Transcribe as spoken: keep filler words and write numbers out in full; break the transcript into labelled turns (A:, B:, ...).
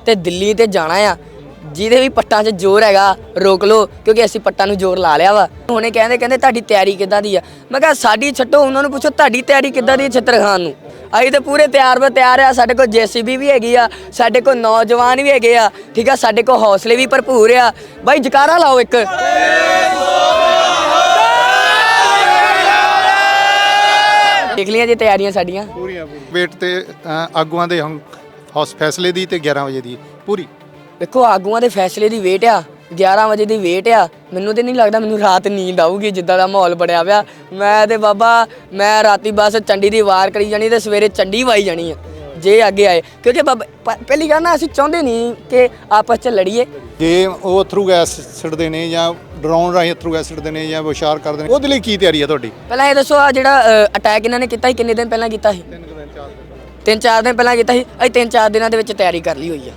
A: ਤੇ ਦਿੱਲੀ ਤੇ ਜਾਣਾ ਆ। ਜਿਹਦੇ ਵੀ ਪੱਟਾਂ 'ਚ ਜ਼ੋਰ ਹੈਗਾ ਰੋਕ ਲਓ, ਕਿਉਂਕਿ ਅਸੀਂ ਪੱਟਾਂ ਨੂੰ ਜ਼ੋਰ ਲਾ ਲਿਆ ਵਾ। ਹੁਣੇ ਕਹਿੰਦੇ ਕਹਿੰਦੇ ਤੁਹਾਡੀ ਤਿਆਰੀ ਕਿੱਦਾਂ ਦੀ ਆ? ਮੈਂ ਕਿਹਾ ਸਾਡੀ ਛੱਡੋ, ਉਹਨਾਂ ਨੂੰ ਪੁੱਛੋ ਤੁਹਾਡੀ ਤਿਆਰੀ ਕਿੱਦਾਂ ਦੀ ਛਿੱਤਰ ਖਾਣ ਨੂੰ। ਅਸੀਂ ਤਾਂ ਪੂਰੇ ਤਿਆਰ ਬਰ ਤਿਆਰ ਆ। ਸਾਡੇ ਕੋਲ ਜੇ ਸੀ ਬੀ ਵੀ ਹੈਗੀ ਆ, ਸਾਡੇ ਕੋਲ ਨੌਜਵਾਨ ਵੀ ਹੈਗੇ ਆ, ਠੀਕ ਆ, ਸਾਡੇ ਕੋਲ ਹੌਸਲੇ ਵੀ ਭਰਪੂਰ ਆ। ਬਾਈ ਜਕਾਰਾ ਲਾਓ ਇੱਕ। ਦੇਖ ਲਈਆਂ ਜੀ ਤਿਆਰੀਆਂ ਸਾਡੀਆਂ
B: ਪੂਰੀਆਂ ਵੇਟ ਤੇ ਆਗੂਆਂ ਦੇ ਹੁਣ ਹੌਸ ਫੈਸਲੇ ਦੀ ਤੇ ਗਿਆਰਾਂ ਵਜੇ ਦੀ ਪੂਰੀ।
A: ਦੇਖੋ ਆਗੂਆਂ ਦੇ ਫੈਸਲੇ ਦੀ ਵੇਟ ਆ, ਗਿਆਰਾਂ ਵਜੇ ਦੀ ਵੇਟ ਆ। ਮੈਨੂੰ ਤੇ ਨਹੀਂ ਲੱਗਦਾ ਮੈਨੂੰ ਰਾਤ ਨੀਂਦ ਆਊਗੀ, ਜਿੱਦਾਂ ਦਾ ਮਾਹੌਲ ਬਣਿਆ ਪਿਆ। ਮੈਂ ਤੇ ਬਾਬਾ ਮੈਂ ਰਾਤੀ ਬਸ ਚੰਡੀ ਦੀ ਵਾਰ ਕਰੀ ਜਾਣੀ ਤੇ ਸਵੇਰੇ ਚੰਡੀ ਵਾਈ ਜਾਣੀ ਆ ਜੇ ਅੱਗੇ ਆਏ, ਕਿਉਂਕਿ ਬਾਬਾ ਪਹਿਲੀ ਗੱਲ ਨਾ ਅਸੀਂ ਚਾਹੁੰਦੇ ਨਹੀਂ ਕਿ ਆਪਸ 'ਚ ਲੜੀਏ।
B: ਜੇ ਉਹ ਅਥਰੂ ਗੈਸ ਛੱਡਦੇ ਨੇ ਜਾਂ ਡਰਾਉਣ ਰਾਹੀਂ ਅਥਰੂ ਗੈਸ ਛੱਡਦੇ ਨੇ ਜਾਂ ਵਿਸ਼ਾਰ ਕਰਦੇ ਨੇ, ਉਹਦੇ ਲਈ ਕੀ ਤਿਆਰੀ ਹੈ ਤੁਹਾਡੀ?
A: ਪਹਿਲਾਂ ਇਹ ਦੱਸੋ, ਆ ਜਿਹੜਾ ਅਟੈਕ ਇਹਨਾਂ ਨੇ ਕੀਤਾ ਸੀ ਕਿੰਨੇ ਦਿਨ ਪਹਿਲਾਂ ਕੀਤਾ ਸੀ? ਤਿੰਨ ਚਾਰ ਦਿਨ ਪਹਿਲਾਂ ਕੀਤਾ ਸੀ। ਅਸੀਂ ਤਿੰਨ ਚਾਰ ਦਿਨਾਂ ਦੇ ਵਿੱਚ ਤਿਆਰੀ ਕਰ ਲਈ ਹੋਈ ਆ।